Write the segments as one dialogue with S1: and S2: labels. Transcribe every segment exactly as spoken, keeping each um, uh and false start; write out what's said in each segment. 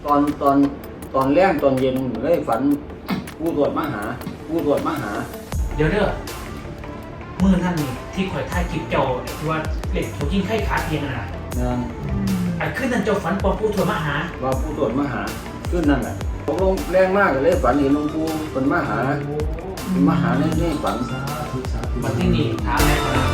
S1: ตอนตอนตอนแรกตอนเย็นเลยฝันผู้ตรวจมาหาผู้ตรวจมาหา
S2: เดี๋ยวเด้อมือนั่นนี่ที่ข่อยถ่ายคลิปเจ้าที่ว่าเหล็กถูกยิงไข้ขาเพียงน่ะ
S1: นั่น
S2: ไอ้ขึ้นนั่นเจ้าฝันปอผู้ตรวจมาหา
S1: ว่าผู้ตรวจมาหาขึ้นนั่นแหละตกลงแรงมากเลยฝันเห็นหลวงปู่เป็นมาหาเป็นมาหาในในฝัน
S2: วันที่นี่ถามแม่ก่อนนะ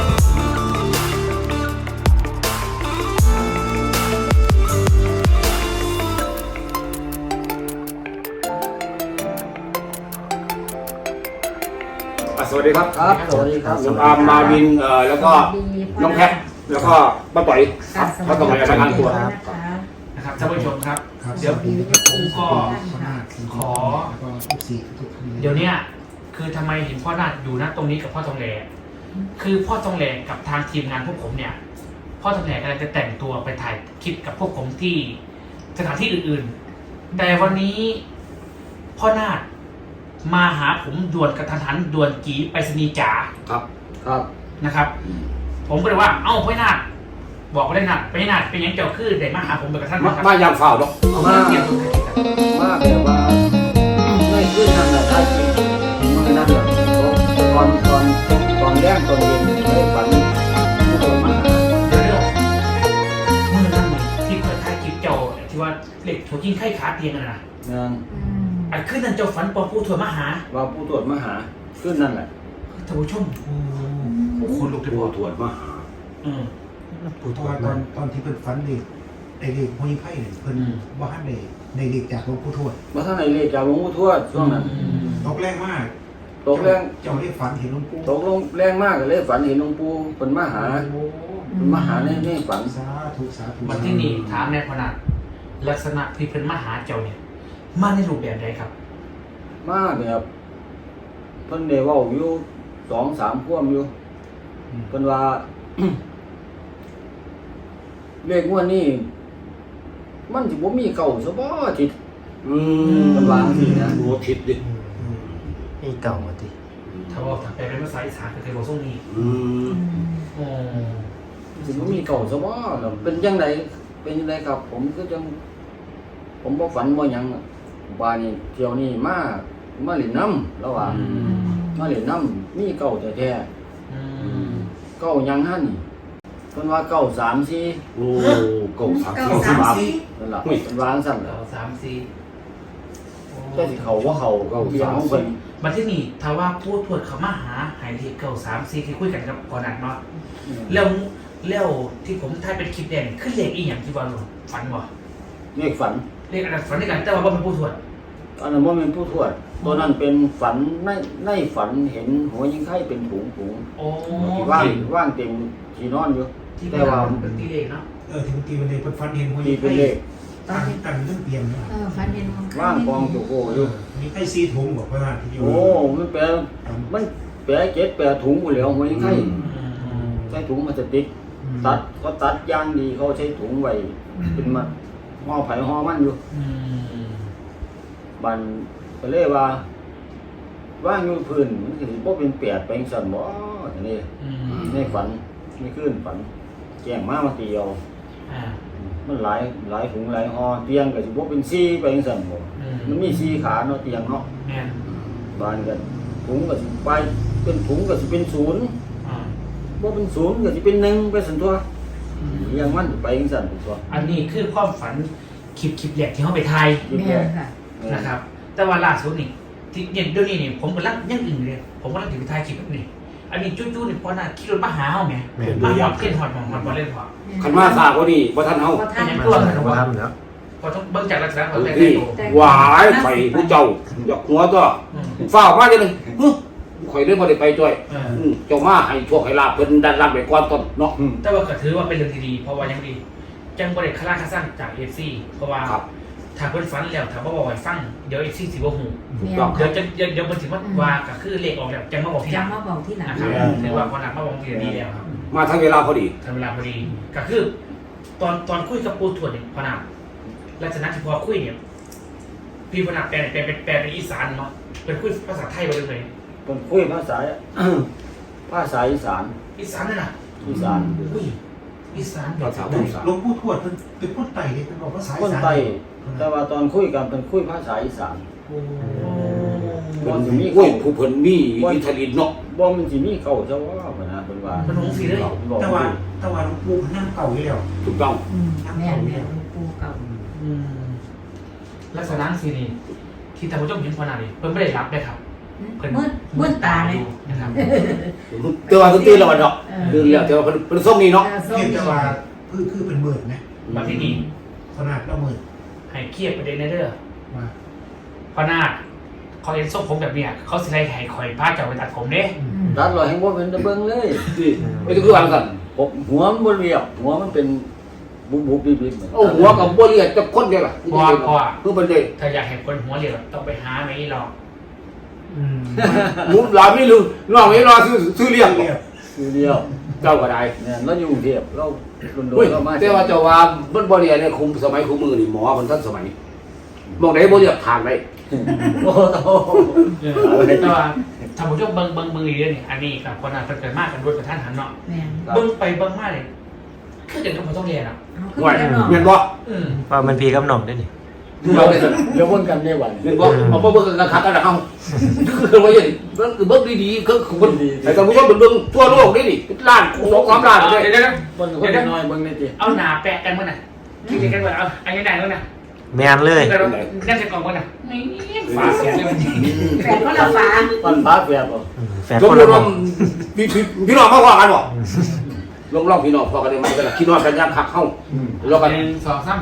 S3: สวัสดีครับ
S1: ครับสวัสดีครับ
S3: ลุงอาร์มมาวินเอ่อแล้วก็น้องแพทแล้วก็ป้าต่อยครับป้าต่อยรายงานตัว
S2: นะครับท่านผู้ชมครับเดี๋ยวผมก็ขอเดี๋ยวนี้คือทำไมเห็นพ่อนาฏอยู่ณตรงนี้กับพ่อทองแหล่คือพ่อทองแหล่กับทางทีมงานพวกผมเนี่ยพ่อทองแหล่กำลังจะแต่งตัวไปถ่ายคลิปกับพวกผมที่สถานที่อื่นๆแต่วันนี้พ่อนาฏมาหาผมด่วนกระทันหันด่วนกีไปสนีจ๋า
S3: ครับ
S1: ครับ
S2: นะครับผมก็เลยว่าเอ้าพ่อนาฏบอกว่าได้นาฏไปนาฏเป็นยังเจ้าคือได้มาหาผมไปกระทันหัน
S3: มายามเฝ้าดอก
S2: มาเกี่ยวกับ
S1: มากแบบว่าไม่ขึ้นนั่นแหละท่านมันนั่นแหละตอนตอนตอนแรกตอนเย็นเลยฝันผู้ตรวจมาหา
S2: เดี๋ยวเรื่องมือนั่นที่เคยถ่ายคลิปเจ้าที่ว่าเหล็กถูกยิงไข้ขาเตียงน่ะนะ
S1: นั่น
S2: ไอ้ขึ้นนั่นเจ้าฝันปอผู้ตรวจมาหา
S1: ว่าผู้ตรวจมาหาขึ้นนั่นแหละ
S2: ท่านผู้ชมโอ้คนลุกเลย
S3: ผู้ตรวจมาหา
S2: อืม
S4: เพราะว่าตอนตอนที่เพิ่นฝันนี่ไอ้เด็กผู้หญิงไผ่เนี่ยเพิ่นว่าท่านได้ในเด็กจากหลวงปู่ทวด
S1: ว่าท่านในเลขจากหลวงปู่ทวดช่วงนั้น
S4: ตกแรงมาก
S1: ตกแรง
S4: เจ้าได้ฝันเห็นหลวงปู่
S1: ตกลงแรงมากเลยฝันเห็นหลวงปู่เป็นมาหาเป็นมาหาในในฝัน
S4: สาธุสาธุ
S2: วันที่นี่ถามแม่พนันลักษณะที่เป็นมาหาเจ้าเนี่ยมาในรูปแบบใดครับ
S1: มาแบบเพิ่นได้เว้าอยู่สองสามพ่วงอยู่เพิ่นว่าเลขงวดนี้มันสิบ่มีเก่าซะบ่ทิศ
S3: อืม
S1: มันวางสินะ
S3: โหทิศดิ
S5: มีเก่าติ
S2: ถ้าว่าถ้าแปลเป็นภาษาอีสานก็คือบ่ทรงนี้
S3: อืม
S2: อ๋อ
S1: สิบ่มีเก่าซะบ่เป็นจังไดเป็นจังไดครับผมก็จังผมบ่ฝันบ่หยังว่านี่เที่ยวนี้มามาเล่นน้ำระหว่างมาเล่นน้ำมีเก่าแท้ๆ
S2: อืม
S1: เก่ายังหั่นเพิ่นว่าเก่าสามสี่
S3: โอ้เก่าสามสี่
S1: นั่นล่ะเพิ่นวางซั่นล่ะ
S2: เก้าสามสี่
S1: แต่สิเขาว่าเขาเก่าเพียงของเพิ่น
S2: บัดที่นี่ถ้าว่าผู้ตรวจเขามาหาหายเลขเก้าสามสี่ที่คุยกันกับก่อนนั้นเนาะแล้วแล้วที่ผมถ่ายเป็นคลิปแดงคือเลขอีหยังที่ว่าฝันบ่
S1: เลขฝัน
S2: เลขอันนั้นฝันด้วยกันแต่ว่าบ่เป็นผู้ตรวจ
S1: อันนั้นบ่แม่นผู้ทวดตัวนั้นเป็นฝันในในฝันเห็นหัวยิงไข่เป็นถุงถุง
S2: โอ้
S1: ที่ว่างว่างเต็มที่นอนอยู่แต่ว่า
S2: เป็นตีเลขเนาะ
S4: เออถึงตีเป็นเลขเพิ่นฝันเห็นหัวยิงไผ่ตั้งกันเรื่องเปลี่ยน
S6: เออฝันเห็น
S1: ว่างกองโจโก้อยู่
S4: มีไอ้ซีถุงบอกว่าที่อยู่
S1: โอ้มันแปลมันแปลเจ็ดแปลถุงอยู่แล้วหัวยิงไข่ใช้ถุงพลาสติกตัดเขาตัดย่างดีเขาใช้ถุงไว้เป็นมาห่อไผ่ห่อมันอยู่บันก็เลยว่าว่างอยู่พื้นมันสิบ่เป็นแปดไปจังซั่นบ่อันนี้ในฝันนี่คืนฝันแจ้งมามาเตียวมันหลายหลายถุงหลายห่อเตียงก็สิบ่เป็นสี่ไปจังซั่นบ่มันมีสี่ขาเนาะเตียงเนาะ
S2: แม่น
S1: บ้านก็ถุงก็สิไปเป็นถุงก็สิเป็นศูนย์อ่าบ่เป็นศูนย์ก็สิเป็นหนึ่งไปซั่นตัวอย่างมันไปจังซั่นตัว
S2: อันนี้คือความฝันคลิปคลิปแรกที่เฮาไปถ่าย
S1: แม่นค่ะ
S2: นะครับแต่ว่าล่าสุดนี่ที่เนี่ยเดี๋ยวนี้นี่ผมกำลังยังอื่นเลยผมกำลังถือถ่ายคลิปแบบนี้อันนี้จู้ๆนี่พอน่ะคิดรถมาหาเฮาแหมมาหอดเล่นหอดหมองมันบ่เล่นพอ
S3: คันมาซาบ่ดีบ่ทันเฮา
S2: เป็นยังตัวกันบ่ทันเนาะพอต้องเบิ่งจากลักษณะของแต่งตัว
S3: หวายไข่ผู้เจ้าอยากหัวตัวฟ้าวมาจังได๋ฮึข่อยเลยบ่ได้ไปจ้อยอือเจ้ามาให้โชคให้ลาภเพิ่นดันรับไปก่อนต้นเนาะ
S2: แต่ว่าก็ถือว่าเป็นเรื่องที่ดีเพราะว่ายังดีจังบ่ได้คลาคาซั่งจาก เอฟ ซี เพราะว่าถ้าเพิ่นฝันแล้วถ้าบ่บอกให้ฟังเดี๋ยว เอฟ ซี สิบ่ฮู้เดี๋ยวจะเดี๋ยวมันสิว่าว่าก็คือเลขออกแล้วจังมาบอกที่หลัง
S6: จังมาบอกที่หลัง
S2: นะครับถือว่าพอหลังมาบอกที่ดีแล้วครับ
S3: มาทันเวลาพอดี
S2: ทันเวลาพอดีก็คือตอนตอนคุยกับปู่ทวดเนี่ยพอนาลักษณะที่พอคุยเนี่ยพี่พอนาแปลแปลเป็นแปลเป็นอีสานเนาะเป็นคุยภาษาไทยบ่ได้เลย
S1: เป็นคุยภาษาภาษาอีสาน
S2: อีสานนั่นน่ะ
S1: อีสาน
S2: อุ้ยอีสาน
S4: หลวงปู่ทวดเป็นเป็นคนไต่เนี่ยเป็นบอกว่าสาย
S1: คนไต่แต่ว่าตอนคุยกันเป็นคุยภาษาอีสาน
S2: โอ้
S1: บ่สิมี
S3: โอ้ยผู้เพิ่นมีอิทธิฤทธิ์เนาะ
S1: บ่มันสิมีเก่าซะว่าเพิ่นนะเพิ่นว่า
S2: มันหงสีเลย
S1: บอก
S4: แต่ว่าแต่ว่าหลวงปู่นั่งเก่าอยู่แล้ว
S3: ถูกต้อง
S6: อืมแม่นแม่นหลวงปู่เก่า
S2: อืมลักษณะสีนี่ที่ท่านผู้ชมเห็นพอนานี่เพิ่นไม่ได้รับเลยครับเพิ่น
S6: มืดมืดตาเลย
S2: นะครับ
S3: แต่ว่าตื่นแล้วเนาะตื่นแล้วแต่ว่าเพิ่นเพิ่นส่งนี่เนาะ
S6: เออส้ม
S4: เพียง
S6: นี่
S4: แต่ว่าคือคือเป็นหมื่นนะ
S2: มาที่นี่
S4: ขนาดละหมื่น
S2: ให้เครียดประเด็นในเด้อ
S4: มา
S2: พอนาคเขาเห็นส้มผมแบบเนี้ยเขาสิไล่ให้คอยพาเจ้าไปตัดผมเด้
S6: อืม
S1: ตัดรอยให้บ่เป็นตะเบิงเลย
S3: นี่ไม่ต้องคือว่ากัน
S1: ผมหัวมันบ่เรียบหัวมันเป็นบุบๆบิบๆเหมือน
S3: โอ้หัวกับบ่เรียกจะคนเดียวล่ะ
S2: เพราะว่าเพราะว่า
S3: คือเพิ่นได้
S2: ถ้าอยากเห็นคนหัวเรียวต้องไปหาไม่หรอก
S4: อืม
S3: หมูหลานไม่ลืมน้องไม่รอซื้อซื้อเลี้ยง
S4: เรียบ
S1: คือเดียว
S3: เจ้าก็ได้
S1: เนี่ยเราอยู่กรุงเทพเราโด
S3: เฮ้ย
S1: นๆเรามา
S3: แต่ว่าเจ้าว่าเบิ่นบ่เรียนเนี่ยคุมสมัยคุมมือนี่หมอมันทันสมัยมองไหนบ่เรียกทางได้
S1: โอ้โห
S2: แต่ว่าท่านผู้ชมเบิ่งเบิ่งเบิ่งอีกเรื่องนี่อันนี้กับคนนั้นเพิ่นเกิดมากกันด้วยกับท่านหันเนาะ
S6: แม่น
S2: เบิ่งไปเบิ่งมาเลยคือเด็กก็บ่ต้องเรียนอ่ะ
S6: เอาขึ้น
S3: ว่า
S6: ไปเนาะ
S3: แม่นบ่
S2: อืม
S5: ว่ามันพีกับหน่องได้ดิ
S3: เราได้ซั่น
S1: เดี๋ยววนกันได้วัน
S3: แม่นบ่เอาบ่เบิ่งกันคักกันนะเฮาคือว่าอย่างนี้เบิ่งคือเบิ่งดีๆคือคือเบิ่งให้ท่านผู้ชมเบิ่งทั่วโลกนี่นี่ล้านสองสามล้าน
S2: เดี๋
S3: เด้
S2: ยวเดี๋ยวเดี๋ยว
S1: คนคนน้อยเบิ่งได้ติ
S2: เอาหนาแปะกันมั้งน่ะคิดกันว่าเอาอันนี้ได้แล้วนะ
S5: แมนเลย
S2: แต่เรานั่นจะกล่องมั้งน่ะนี่ฝาเสียเลยมันจริง
S6: แฟนก็ละฟ้า
S1: มันฟ้าแฝดบ่
S5: อืมแฟน
S3: สม
S5: คน
S3: มุ
S5: ละ
S3: ติ
S5: หน่
S3: ว่า
S5: อง
S3: พี่พี่พี่น้องมาว่ากันบ่ลองลองพี่น้องพอกันได้มั้ยกันพี่น้องกันยามคักเฮาแล้วกัน
S2: หนึ่งสองสาม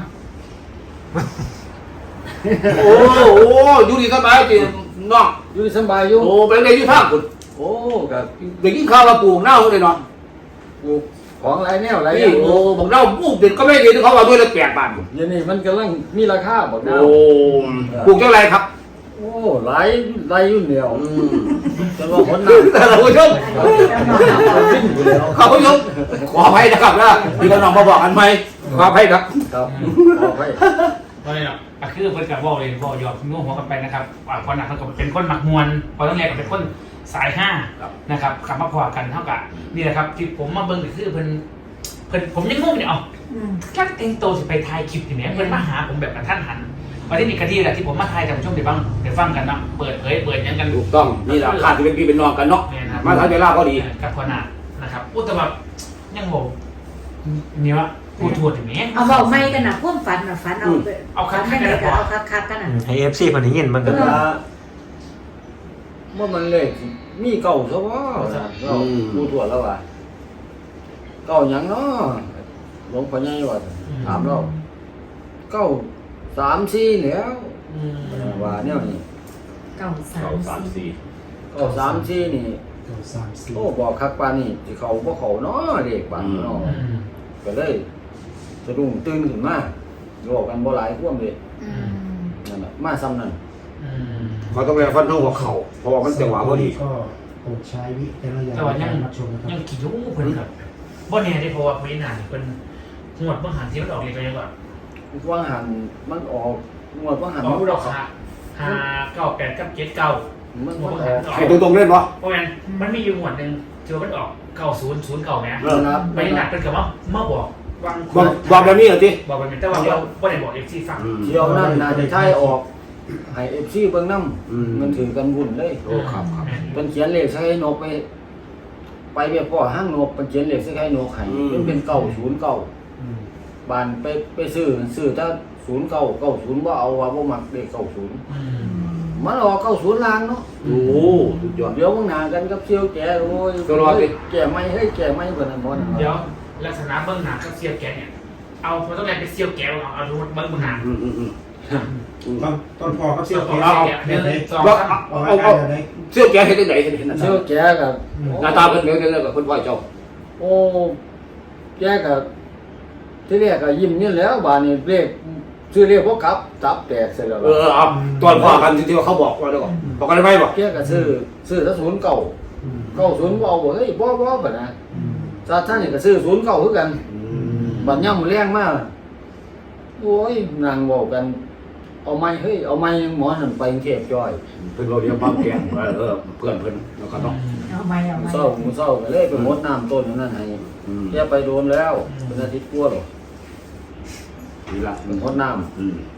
S3: โอ้โอ้อยู่ดีสบายจิน้อง
S1: อยู่สบายอยู่
S3: โอ้เป็นไงอยู่ทางคุณ
S1: โอ้ก็
S3: ได้กินข้าวมาปลูกหน้าเลยเนาะ
S1: ปลูกของหลายแนวหลายอ
S3: นี่
S1: ย่าง
S3: โอ้บอกเน่าปลูกเด็ดก็ไม่เด็ดเขาว่าด้วยละแปดบาท
S1: เดี๋ยวนี้มันกำลังมีราคาบ่
S3: โอ้ปลูกเท่าไรครับ
S1: โอ้หลายหลายอยู่เดียว
S3: อืม
S1: แต่ว่าคนนั้น
S3: แต่เราผู้ชม
S1: วิ่งอยู่แล้ว
S3: เขาผู้ชมขออภัยนะครับนะพี่น้องมาบอกกันไหมขออภัยครับ
S1: ครับขอให้
S2: ตอนนี้เนาะอ่ะคือเพิ่นกับบอกเลยบอกหยอกงงหัวกันไปนะครับอ่าพอหนักเท่ากับเป็นคนหมักมวลพอต้องเรียนกับเป็นคนสายห้านะครับขับมาพอกันเท่ากับนี่แหละครับที่ผมมาเบิ่งก็คือเพิ่นเพิ่นผมยังงงเนี่ยเอา
S6: อืม
S2: จักเต็งโตสิไปถ่ายคลิปที่แหม่เพิ่นมาหาผมแบบกระทันหันวันที่นี่กะดีแหละที่ผมมาถ่ายแต่ผมชมได้บ้างได้ฟังกันเนาะเปิดเผยเปิดหยังกัน
S3: ถูกต้องนี่แหละขาดจะเป็นพี่เป็นน้องกันเนาะ
S2: เนี่ยนะครับ
S3: มาทางเวลาก็ดี
S2: กับพอหนักนะครับอุยแตแบบยังงงเนี่ยว่ากูทวดถึงแหม่
S6: เอาเบาไม่กันนะพ่วงฝันน่ะฝันเอาไป
S2: เอาคักๆ
S6: ฝัน
S2: กัน
S6: ได้
S2: นะ
S6: ก็เอาคักๆกัน
S5: อื
S6: น่ะ
S5: มให้เอฟซีคนนี้ยินมันก็
S1: แต่ว่าเมื่อมันเลขมีเก่าซะว่าเราดูถั่วแล้วว่าเก่าหยังเนาะหลวงพ่อใหญ่ว่าถามเราเก้าสามสี่แล้ว
S2: อืม
S1: ว่าแนวนี้
S6: เก้าสา
S3: เก้าม สาม
S6: สี่
S3: สี่
S1: เก้าสามสี่นี่
S4: เก้าสามสี่
S1: โอ้บอกคักปานนี่สิเขาบ่เขาเนาะเด็กบางเนาะ
S2: อืม
S1: ก็เลยสะดุ้งตื่นขึ้นมาบอกกันบ่หลายความเลย
S6: อืม
S1: นั่นน่ะมาซ้ำนั่น
S2: อืม
S3: เขาต้องไปฟันทงหัวเข่าเพราะว่ามันจังหวะพอดี
S4: ก็โปรดใช้วิจารณญาณ
S2: แต่ว่า
S4: ใน
S2: ยั
S4: กาง รรับชมนะครับ
S2: ยังกี่ยูเพิ่นครับบ่แน่ได้เพราะว่าไม่นานเพิ่นงวดเบิ่งหันที่มันออกเลยก็ยังว่า
S1: ว่าหันมันออกงวดว่าหัน
S2: ออก
S1: มัน
S2: ดอกค่ะห้าเก้าแปดกับเจ็ดเก้า
S1: มัน
S2: งว
S1: มั
S2: ด
S1: น
S2: เบิ่ง
S1: อ
S2: หั
S1: อน ก
S2: ออก
S3: ให้ตรงๆเล่นวะ
S2: เพราะงั้นมันมีอยู่งวดหนึงที่ว่ามันออกเก้าศูนย์ศูนย์เก้าแหม
S3: เออ
S1: นะครับ
S2: ไม่นานเพิ่นก็มามาบอกวาง
S3: บอกบอกแบบนี้เหรอจี
S2: บอกไปแต่ว่าเราบ่ได้บอก เอฟ ซี ฟัง
S1: เที่ยวนั่นน่าจะใช้ออกให้ เอฟ ซี เบิ่งนำ
S3: อืม
S1: มันถือกันวุ่นเลย
S3: โอ้ครับครับ
S1: เป็นเขียนเลขใส่นกไป ไปเวียพ่อห้างนกเป็นเขียนเลขใส่ให้นกให้มันเป็นเก้าศูนย์เก้า
S4: อืม
S1: บานไปไปซื้อซื้อถ้าศูนย์เก้าเก้าศูนย์ว่าเอาว่าบ่มักเลขเก้าศูนย์
S2: อืม
S1: มันออกเก้าศูนย์ลางเนาะ
S3: โอ้สุดยอด
S1: เดี๋ยวมึงหนากันกับเซียวแก่โอ้ย
S3: ตัวรอดดิ
S1: แก่ไม่เฮ้ยแก่ไม่เบิ่นนบ่น
S2: เดี๋ยวลักษณะเบิ่งหน้ากับเสียวแกเนี่ยเอาพอต้องแลไปเสียวแกเอาเอาดูเบิ่งหน้า
S3: อืมอืมอืม
S4: ตอนตอนพอเขาเสี้ยว
S2: เอา
S4: แก้ว
S2: เสียวแกหนึ่งสอง
S3: ว่า
S2: สาม
S3: เอา
S4: เอา
S3: เอา
S4: เอา
S3: เอา
S4: เลย
S3: เสื้อแกเห็นได้ไหนเห็นเห็นหน้า
S1: เซียวแก่กับ
S3: หน้าตาเป็นเดี๋ยวเดี๋ยวกับคนไหวเจ้า
S1: โอ้แก่กับที่แรกก็ยิ้มนี่แล้วบานนี้เลขชื่อเลขบ่กลับตับแตกเสร็จแล้ว
S3: เออเอาตอนพอกันที่ว่าเขาบอกว่าเดี๋ยวก่อนบอกกันได้ไหมบอก
S1: แก่ก็ซื้อซื้อถ้าศูนย์เก้า
S4: อืม
S1: เก้าศูนย์บ่เอาบ่เฮ้ยบ่บ่บัดนะ
S4: อืม
S1: ซาท่านนี่ก็ซื้อศูนย์เก้าคือกัน บัดย่ำแรงมากโอ้ยนางบอกกัน เอาไม้เฮ้ย เอาไม้หมอนั่นไปกรุงเทพจ้อย
S3: เพื่อนเราเรียกบ้านแกงเออเพื่อนเพื่อนแล้วก็ต้อง
S6: เอาไม่เอา
S1: หมู
S6: ไม่
S1: เศร้าหมูเศร้าก็เลยไปหมดน้ำต้นนั่นให้
S3: อืม
S1: แย่ไปโดนแล้วเป็นอาทิตย์กลัวหรอก
S3: นี่ละ
S1: เป็นหมดน้
S3: อืม
S1: ำ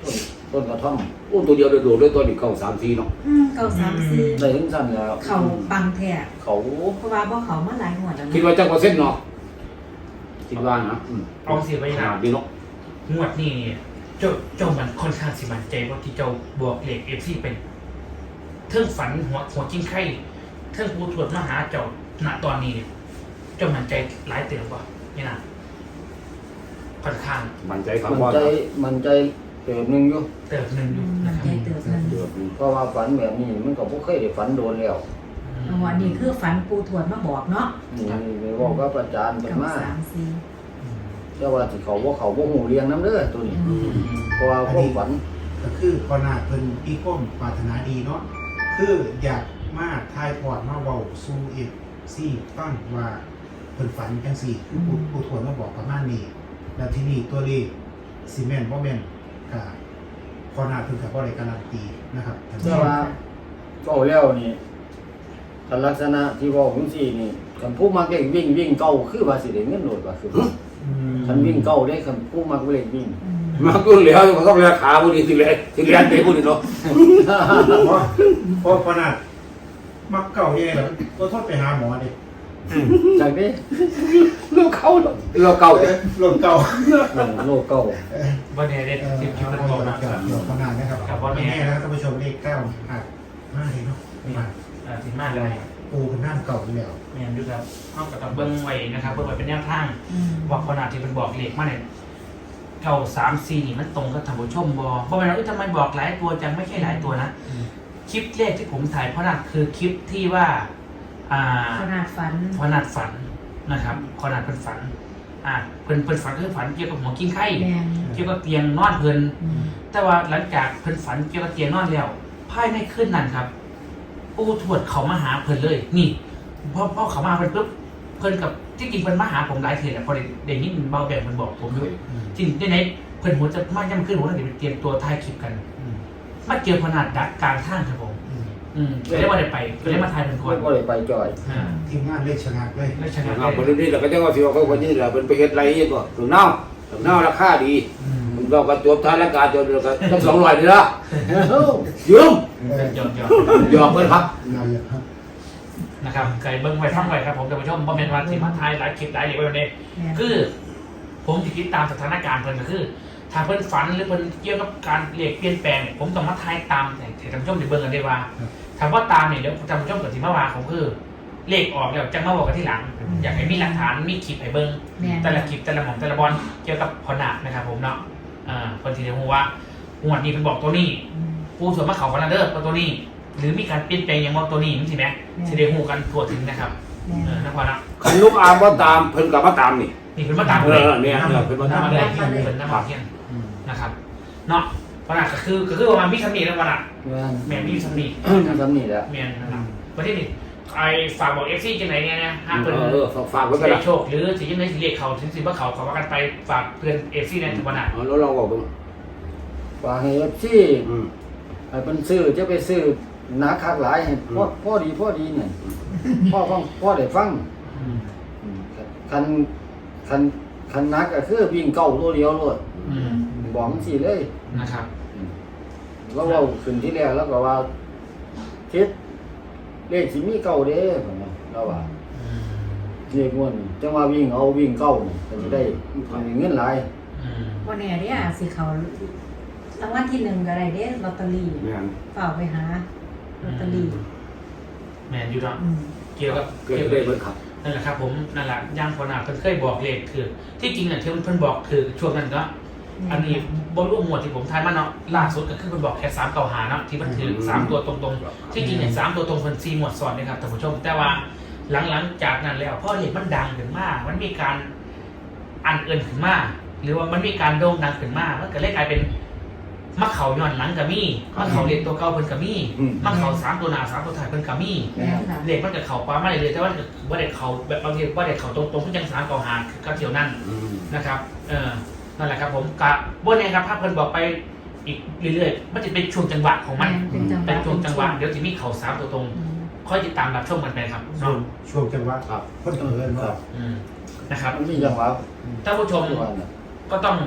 S1: ต้นต้นกระท่อม
S3: อู้ตัวเดียวโดดๆด้วยตัวนี้เก้าสามสี่เนาะ
S6: อืมเก้าสามสี่
S1: ได้ถึงสั้นแล้ว
S6: เขาปังแท้
S1: เขา
S6: เพราะว่าบ่เขามาหลายหัวแล้ว
S3: คิด
S6: นะ
S3: ว่าจักเปอร์เซ็นต์เนาะคิดว่านะอืม
S2: เอาเสียไป
S3: ข
S2: นะ
S3: นาดนี้เนาะ
S2: งวดนี้เจ้าเจ้ามันค่อนข้างสิมันใจว่าที่เจ้าบวกเหล็กเอฟซีเป็นเทิงฝันหัวหัวกิ้งไข่เทิงปูถวดมาหาเจ้าณตอนนี้เนี่ยเจ้ามันใจหลายเตือนป่ะนี่นะค่อนข้าง
S3: มั่นใจครับ
S1: มัน
S3: ว่า
S1: ใจมันใจเติมหนึงอยู่
S2: เติบหนึ่งอยู่
S6: มั
S2: นะ
S6: น
S2: ครับ
S6: ใจเติบมัน
S1: เติมหนึ่งเพราะว่าฝันแบบนี้มันก็บ่เคยได้ฝันโดนแล้ว
S6: เอาอันนี้คือฝันปูถวดมาบอกเนาะ
S1: นี่ไปบอกกับอาจารย์เพิ่น
S6: เก้า
S1: มา
S6: สามสี่
S1: แต่ว่าสิเขาบ่เขาบ่ฮู้เรียงนํเด้อตัวนี้
S6: อืม
S1: เพราะว่าความฝัน
S4: ก็คือพอนาเพิ่นอีก้มปรารถนาดีเนาะคืออยากมาทายพอดมาเว้าสู่เอฟซีฟังว่าเพิ่นฝันจังซี่คือผู้ผู้ทวนมาบอกประมาณนี้แล้วที่นี่ตัวเลขซีเมนต์บ่แม่นก็พอนาเพิ่นก็บ่ได้การันตีนะครับท่านผู้
S1: แต่
S4: ชม
S1: ว่าเว้าแล้วนี่คันลักษณะที่เว้าจังซี่นี่คันผู้มักเล่นวิ่งวิ่งเก่าคือว่าสิได้เงินโดดว่าคือ
S4: อืม
S1: คันวิ่งเก่าได้คันผู้มักเล่นวิ่ง
S6: อืม
S3: มากูเหลียวก็ต้องเลียขาพวกนี้สิเลยสิเลียนเตะพวกนี้เนาะ
S4: เพราะเพราะพอนามักเก่ายังไงล่ะก็โทษไปหาหมอดิ
S1: จากนี้
S3: เราเข้าเนาะเราเก่า
S4: เอ้ยลมเก่า
S1: เออโลกเก่า
S2: วันนี้ได้
S4: เออ
S2: สิบคลิปเป็น
S4: เอา
S2: บอก
S4: ไป
S2: นะ
S4: เกี่ยวกับขนาดนะครับ
S2: ครับว่าแม่
S4: แม่นะครับท่านผู้ชมเลขเก้าอาจมากเลยเนาะมา
S2: อ่าสิมากเลย
S4: ปูเป็นน้ำเก่าอยู่แล้ว
S2: แมนดูครับเข้ากับตับเบิ้งไว้นะครับเบิ้งไว้เป็นแนวทาง
S6: อืม
S2: ว่าขนาดที่เป็นบอกเหล็กมาเนี่ยเก้าสามสี่นี่มันตรงกับท่านผู้ชมบอเพราะว่าทำไมบอกหลายตัวจังไม่ใช่หลายตัวนะ คลิปแรกที่ผมถ่ายเพราะนั่นคือคลิปที่ว่า อ่า
S6: ขนาดฝัน
S2: ขนาดฝันนะครับขนาดเป็นฝัน อ่าเพิ่นเพิ่นฝันคือฝันเกี่ยวกับหัวกิ้งไข่
S6: แมน
S2: เกี่ยวกับเตียงนอนเพิ่น
S6: อืม
S2: แต่ว่าหลังจากเพิ่นฝันเกี่ยวกับเตียงนอนแล้วภายในคืนนั้นครับปู่ทวดเขามาหาเพิ่นเลย นี่พอพอเขามาเพิ่นปุ๊บเพิ่นกับที่จริงเพิ่นมาหาผมหลายเทื่อแหละพอได้ได้ยินเบาแบบเพิ่นบอกผมด้วยจริงในไหนเพิ่นหัวจะมาย่ำขึ้นหัวจะเตรียมตัวถ่ายคลิปกัน
S4: อืม
S2: มาเจอขนาดดักกลางทางครับผม
S4: อืม
S2: อืมก็ได้ว่าได้ไปก็ได้มาถ่ายเป็นค
S1: ไม่
S2: น
S1: ก็เลยไปจ่อย
S2: อ่า
S4: ทีมงานเลขชนะเลย
S2: ไม่ชนะ
S3: เอา
S2: เล
S3: คน
S2: ย
S3: นี้เราก็จะว่าสิว่าเขาคนนี้แหละเป็นไปเฮ็ดไรอีกก็ถึงเน่าถึงเน่าราคาดี
S4: อืม
S3: มันเราก็จบท้ายรายการจบแล้วก็ต้องสองร้อยนี่ละ
S1: เอ้า
S3: ยืม
S4: เออย
S2: อมยอม
S3: ยอมเลยครับ
S4: เราอยากครับ
S2: นะครับไก่เบิ้งไว้ฟังไว้ครับผมท่านผู้ชมเพราะเป็นวันที่มาถ่ายหลายคลิปหลายเรื่องไว้วันนี้
S6: แม่น
S2: คือ ผมจะคิดตามสถานการณ์เพิ่นก็คือ ถ้าเพิ่นฝันหรือเพิ่นเกี่ยวกับการเปลี่ยนเปลี่ยนแปลงเนี่ยผมต้องมาทายตามแต่ท่านผู้ชมจะเบิ่งกันได้ว่าถามว่าตามเนี่ยเดี๋ยวท่านผู้ชมกับที่มาว่าผมคือเลขออกแล้วจะมาบอกกันที่หลัง อยากให้มีหลักฐานมีคลิปให้เบิ่ง
S6: แม่น
S2: แต่ละคลิปแต่ละหม่อมแต่ละบอลเกี่ยวกับพอนาคนะครับผมเนาะอ่าเพิ่นสิได้ฮู้ว่างวดนี้เพิ่นบอกตัวนี้
S6: อืม
S2: ผู้ส่วนมาเขาคอนเดอร์ว่าตัวนี้ หรือมีการเปลี่ยนแปลงอย่างว่าตัวนี้มันสิแม่สิได้ฮู้กันทั่วถึงนะครับ
S6: แม่น
S2: เออนะพอนะ
S3: ขันลูกอามว่าตามเพิ่นกลับมาตามนี่
S2: นี่เพิ่นมาตาม
S3: เอ
S2: เลย
S3: อเนี่ยเนี่ยเพิ่นมาตาม
S2: น้ำเลยเพิ่นน้ำมันเที่ยง
S4: อืม
S2: นะครับเนาะพอนะก็คือก็คือประมาณมีสำนีแล้วพอนะ
S1: แม่น
S2: แม่มีสำนี
S1: ทำสำนี่แหละ
S2: แม่นะครับประเทศนี้ไอ้ฝากบอกเอฟซีจังไหนเนี่ยนะห้าม
S3: เอ
S2: เพิ่น
S3: อเออฝากไว้กัน
S2: ได้
S3: ละ
S2: โชคหรือสิยังไงสิเรียกเขาถึงสิว่าเขาเขาว่ากันไปฝากเพื่อนเอฟซีในทุกวันน่ะ
S3: เออแล้วเราบอกกัน
S1: ฝากให้เอฟซี
S3: อืม
S1: ให้เป็นซื้อจะไปซื้อหนาคักหลายให้พ่อพ่อดีพ่อดีเนี่ยพ่อฟังพ่อได้ฟัง
S2: อืม
S1: อืมคันคันคันนักก็คือวิ่งเก่าตัวเดียวโลด
S2: อืม
S1: บอกมันสิเลย
S2: นะครับ
S1: แล้วเราขึ้นที่แรกแล้วก็ว่าทิศเลขสิมีเก่าเด้ผมว่าเราว่า
S2: อืม
S1: เลขม่วนจังว่าวิ่งเอาวิ่งเก่านี่ก็สิได้เงินหลาย
S2: อืม
S6: วันนี้เนี่ยสิเขารางวัลที่หนึ่งก็ได้เด้ลอตเตอรี่
S3: เนี่ย
S6: เปล่าไปหาลอตเตอรี่
S2: แมนอยู่เนาะ
S6: อืม
S2: เกี่ยวกับ
S3: เกิด
S2: เกี่ยว
S3: ได้
S2: กับ
S3: เบิ่งครับ
S2: นั่นแหละครับผมนั่นแหละย่างพอนาเพิ่นเคยบอกเลขคือ ที่จริงเนี่ยที่เพิ่นบอกคือช่วงนั้นก็อันนี้บนรูปหมวดที่ผมทายมาเนาะล่าสุดก็คือเพิ่นบอกแค่สามเก่าหาเนาะที่มันถือสามตัวตรงๆที่จริงเนี่ยสามตัวตรงเพิ่นสี่หมวดซ้อนนะครับท่านผู้ชม แต่ว่าหลังๆจากนั้นแล้วพอเลขมันดังขึ้นมามันมีการอันเอินขึ้นมาหรือว่ามันมีการโด่งดังขึ้นมามันก็เลยกลายเป็นมักเขาย้อนหลังกับมี่มักเขาเรียนตัวเก่าเพิ่นกับมี่มักเขาสามตัวหน้าสามตัวท้ายเพิ่นกับมี่
S6: แม่นค่ะ
S2: เด็กมันกับเขาป้าไม่เลยแต่ว่าว่าเด็กเขาแบบบางทีว่าเด็กเขาตรงตรงๆที่ยังสามต่อหาก็เที่ยวนั่น
S3: อืม
S2: นะครับเออนั่นแหละครับผมกะบนเองครับภาพเพิ่นบอกไปอีกเรื่อยๆมันจะเป็นช่วงจังหวะของมัน
S6: เป็นจังหวะ
S2: เป็นช่วงจังหวะเดี๋ยวจะมีเขาสามตัวตรง
S6: อืม
S2: ค่อยติดตามรับชมกันไปครับ
S4: ช่ว
S2: เนาะ
S4: งช่วงจังหวะ
S3: ครับ
S4: คนเอิญ
S1: ค
S4: ว่า
S1: รับ
S2: อืมนะครับ
S1: มันมีจังหวะ
S2: ท่านผู้ชม
S1: ทุกวันน่ะ
S2: ก็ต้อง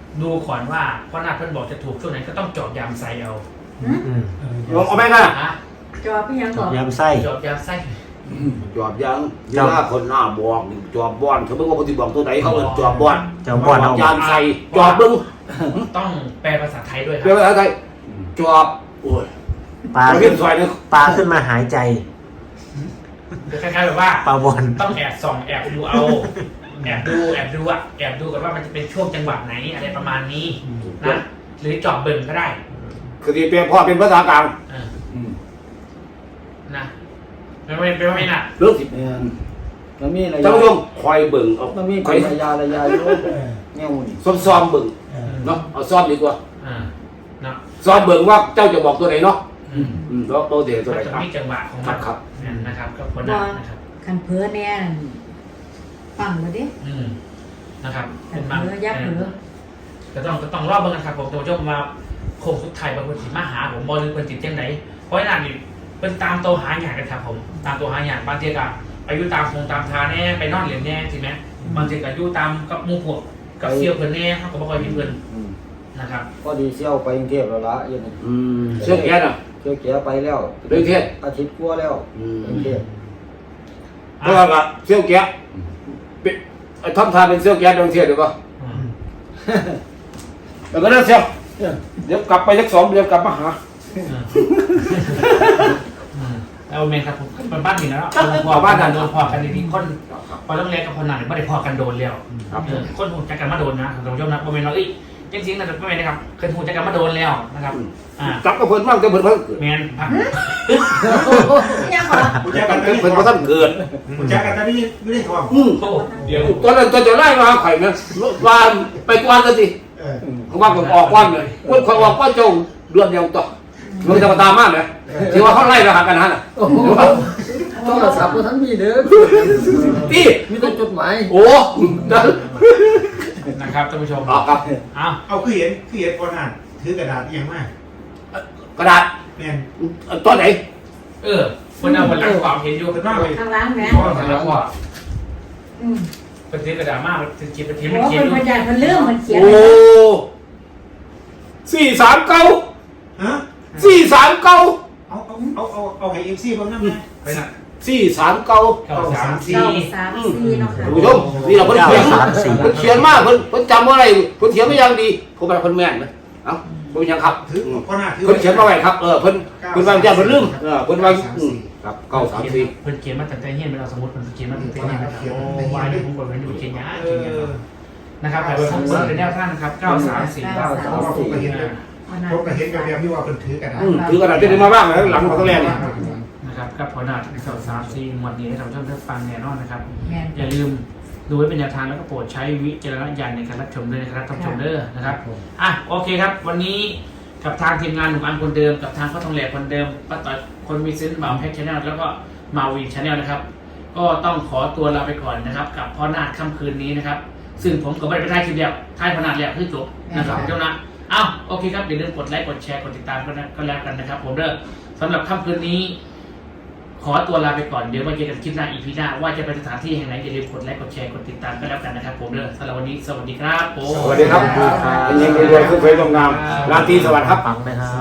S2: ดูก่อนว่าพ่อนาคเพิ่นบอกจะถูกช่วงไหนก็ต้องจอบยามไซเอา
S5: อืม
S3: ลองเอาไหมกัน
S2: ฮะ
S6: จอบพี่ยัง
S5: จ
S6: บ
S5: อ
S6: อบ ก
S5: ยำไส้
S2: จอบยามไซ
S3: จอบยังเวลาคนหน้าบอกจอบบอนเขาไม่ว่าปฏิบอกตัวไหนเขาเป็นจอบบอน
S5: จอบบอนเอา
S3: ยานใส่จอบเบิ้ง
S2: ต้องแปลภาษาไทยด้วยค
S3: เรียก
S2: รับ
S3: ว่าอะไรจอบโอ้ย
S5: ปลา
S3: เรา
S5: ขึ้
S3: เห็
S5: น
S3: นซอยนึง
S5: ปลาขึ้นมาหายใจ
S2: คล้ายๆแบบว่า
S5: ปลาบอล
S2: ต้องแอบส่องแอบดูเอาแอบดูแอบดูอะแอบดูกันว่ามันจะเป็นช่วงจังหวะไหนอะไรประมาณนี้นะหรือจอบเบิ่งก็ได้
S3: คือที่เป็นพ่อเป็นภาษากลาง
S2: เออนะเป็นไม่เป็นไม่น่ะ
S3: เรื่องสิ
S1: แม่นมันมีระ
S3: ท่าน
S1: ยะ
S3: ผู้ชมคอยเบิ่งเอา
S1: มันมี
S3: คอย
S1: ระยะระยะอยู่
S4: เออ
S1: แนวนี่
S3: ซ้อมซ้อมๆเบิ่ง
S4: เออ
S3: เนาะเอาซ้อมดีกว่า
S2: อ่าเนาะ
S3: ซ้อมเบิ่งว่าเจ้าจะบอกตัวไหนเนาะ
S2: อืม
S3: อืมแล้วตัวเดียวตัว
S2: มัน
S3: ไหน
S2: จะ
S3: ครับ
S2: มีจังหวะของ
S3: ครั
S2: มั
S3: บ
S2: น
S3: ครับ
S2: นั่นนะครับก็คนนั้นนะครับ
S6: คันเพ้อแน่นั่นฟังเลยดิ
S2: อืมนะครับ
S6: คั
S2: เป็น นบาง
S6: เพ้อยักษ์เพ้อ
S2: ก็ต้องก็ต้องรอบเบิ่งกันครับผมตัวเจ้ามาโคงสุดท้ายบางคนสิมาหาผมบอลหรือคนจิตจังไหนเพราะฉะนั้นนี่เป็นตามตัวหาอย่างกันครับผมตามตัวหาอย่างบางทีก็ไปอยู่ตามคงตามทาแน่ไปนอนเหรียญแน่ใช่ไหมบางทีก็อยู่ตามกับหมู่พวกกับเสี่ยวเพิ่นแน่เขาก็บ่ค่อยมีเพิ่น
S1: อืม
S2: นะครับ
S1: พอดีเสี่ยวไปกรุงเทพแล้วละอยัน
S3: อืมเชื่อแก่น่ะ
S1: เที่ยวแก่ไปแล้ว
S3: เรื่องเทศ
S1: อาทิตย์กว่าแล้ว
S3: อืม
S1: กรุงเทพ
S3: เพราะว่าเชื่อแก่เป็นทำทานเป็นเชื่อแก่เรื่องเทศเดี๋ยวก็
S2: อืม
S3: แล้วก็เรื่องเชื่อเดี๋ยวกลับไปสักสองเดือนกลับมาหา
S2: อืมอืมแล้วเมนครับผมเป็นบ้านนี่แล้วพอบ้านกันโดนพอกันดีๆคนพอต้องเรียกกับคนนั้นไม่ได้พอกันโดนแล้ว
S3: ครับ
S2: เออคนหูจักกันมาโดนนะเรายอมรับว่าเมนเราเอ้ยจริงๆนะไม่เป็นนะครับเคยหูจักกันมาโดนแล้วนะครับอ่าก
S3: ลับกับเพิ่นมากแต่เพิ่นเพิ่งเกิด
S2: แมนพัก
S6: ยังบอก
S4: ผู้
S3: ก
S4: จั
S3: ลั
S4: ก
S3: บ
S4: กัน
S3: กับเพิ่นเพราะท่านเกิด
S4: ผู้จักกันแต่ไม่ได้ไม่ได้ทอง
S3: อืม
S2: โอ้เดี๋ยว
S3: ตอนนั้นตอนจะไล่มาไข่นะว่าไปกวนกันสิ
S4: เออ
S3: เขาว่าผมออกกวนเลยคนคนออกกวนเจ้าเดือนเดียวต่อมันจะมาตามมากเลยที่ว่าเขาไล่เราหากันนั่นน่ะ
S1: โทรศัพท์ก็ทั้งมีเด้อ
S3: พี่
S1: มีแต่จดหมาย
S3: โอ้นั่น
S2: นะครับท่านผู้ชม
S3: ออกครับ
S2: อ้าว
S4: เอาคือเห็นคือเห็นคนอ่านถือกระดาษอหย่างมาก
S3: กระดาษ
S4: แม่น
S3: ตอนไหน
S2: เออคนเอาคนหลังความเห็นอยู่
S4: เป็นมากเลย
S6: ข้างหล้างแม่
S2: คนหลังว่า
S6: อืม
S2: เป็นทีกระดาษมากเป็นทีเป็นที
S6: โอ้
S2: มันเขียน
S6: เป็น
S2: อยู่
S6: พยานมันเรื่องมันเขียน
S3: โอ้สี่สามเก้า
S4: ฮะ
S3: สี่สามเก้า
S4: เอาเอาเอาเอาเอาให้เอ็มซีเพิ่มน้ำนะ
S2: ไปน่ะ
S3: สี่สามเก้า
S2: เก้าสามสี่
S6: เก้าสามสี่เนาะค่ะ
S3: ท่านผู้ชมนี่เราเพิ่นเขียนเพิ่นเขียนมากเพิ่นเพิ่นจำว่าอะไรเพิ่นเขียนไม่ยังดีผมเป็นคนแม่นนะเอ้าเป็นยังครับ
S4: ถือคนอ่านถือ
S3: เพิ่นเขียนมาไว้ครับเออเพิ่นเพิ่นวางใจเพิ่นลืมเออเพิ่นวางอืมครับเก้าสามสี่
S2: เพิ่นเขียนมาแต่ใจเฮียนเป็นเราสมมติเพิ่นเขียนมาแต่ใจเฮียนนะครับโอ้วายนี่ผมกดไว้อยู่เขียนยา
S4: เอ
S2: เขียนยา
S4: อ
S2: นะครับแต่ว่าผมเปิดเป็นแนวท่านนะครับเก้าสามสี่
S6: เก้า
S4: เพราะว่าผมก็เห็นเลยผมก็เห็นกับแบบที่ว่าเป็นถือกระดาษ
S3: อืมถือกระดาษที่ได้มาบ้างนะหลังของตัวแรกเนี่ย
S2: นะครับกับผลนาดเก้าสามสี่หมวดนี้ให้ท่านผู้ชมได้ฟังแน่นอนนะครับ
S6: แม่น
S2: อย่าลืมดูไว้เป็นแนวทางแล้วก็โปรดใช้วิจารณญาณในการรับชมด้วยนะครับท่านผู้ชมเด้อนะครับอ่ะโอเคครับ วันนี้กับทางทีมงานหนุ่มอันคนเดิมกับทางพ่อทองแหลกคนเดิมป้าต่อยคนมีเซนต์บ่าวแพ็กชาแนลแล้วก็มาวีชาแนลนะครับ ก็ต้องขอตัวลาไปก่อนนะครับ กับพ่อนาดค่ำคืนนี้นะครับ ซึ่งผมก็ไม่ได้ไปถ่ายคลิปเดียวถ่ายพ่อนาดแล้วคือจบนะครับเจ้านะอ้าวโอเคครับอย่าลืมกดไลค์กดแชร์กดติดตามกันนะก็แล้วกันนะครับผมเด้อสำหรับค่ำคืนนี้ ขอตัวลาไปก่อนเดี๋ยวมาเจอกันคลิปหน้าอีพีหน้าว่าจะไปสถานที่แห่งไหนอย่าลืมกดไลค์กดแชร์กดติดตามกันแล้วกันนะครับผมเด้อสำหรับวันนี้สวัสดีครับผม
S3: สวัสดีครับเป็นยังไงรวยขึ้นไปลงงามราตรีสวัสดิ์ครับ
S5: ปังนะครับ